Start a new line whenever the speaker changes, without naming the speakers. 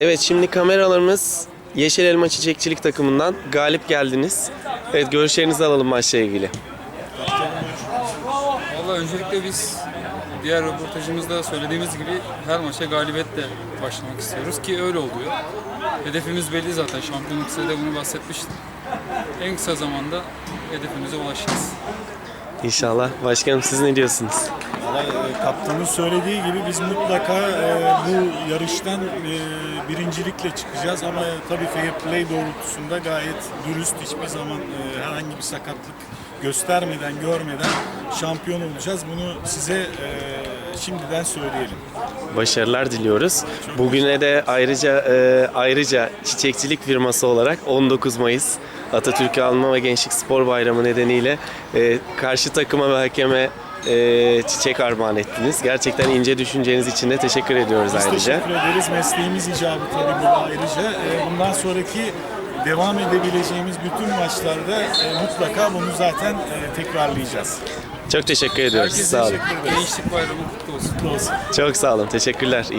Evet, şimdi kameralarımız Yeşil Elma Çiçekçilik takımından galip geldiniz. Evet, görüşlerinizi alalım maçla ilgili.
Valla öncelikle biz diğer röportajımızda söylediğimiz gibi her maça galibiyetle başlamak istiyoruz ki öyle oluyor. Hedefimiz belli zaten. Şampiyonluk size de bunu bahsetmiştim. En kısa zamanda hedefimize ulaşacağız.
İnşallah. Başkanım, siz ne diyorsunuz?
Kaptanın söylediği gibi biz mutlaka bu yarıştan birincilikle çıkacağız ama tabii fair play doğrultusunda gayet dürüst, hiçbir zaman herhangi bir sakatlık göstermeden, görmeden şampiyon olacağız. Bunu size şimdiden söyleyelim.
Başarılar diliyoruz. Bugüne de ayrıca çiçekçilik firması olarak 19 Mayıs Atatürk'ü Anma ve Gençlik Spor Bayramı nedeniyle karşı takıma ve hakeme çiçek armağan ettiniz. Gerçekten ince düşünceniz için de teşekkür ediyoruz
Biz
ayrıca.
teşekkür ederiz. Mesleğimiz icabı tabii bu ayrıca. Bundan sonraki devam edebileceğimiz bütün maçlarda mutlaka bunu zaten tekrarlayacağız.
Çok teşekkür ediyoruz.
Herkese
Sağ olun.
Gençlik Bayramı kutlu olsun.
Kutlu olsun.
Çok sağ olun. Teşekkürler.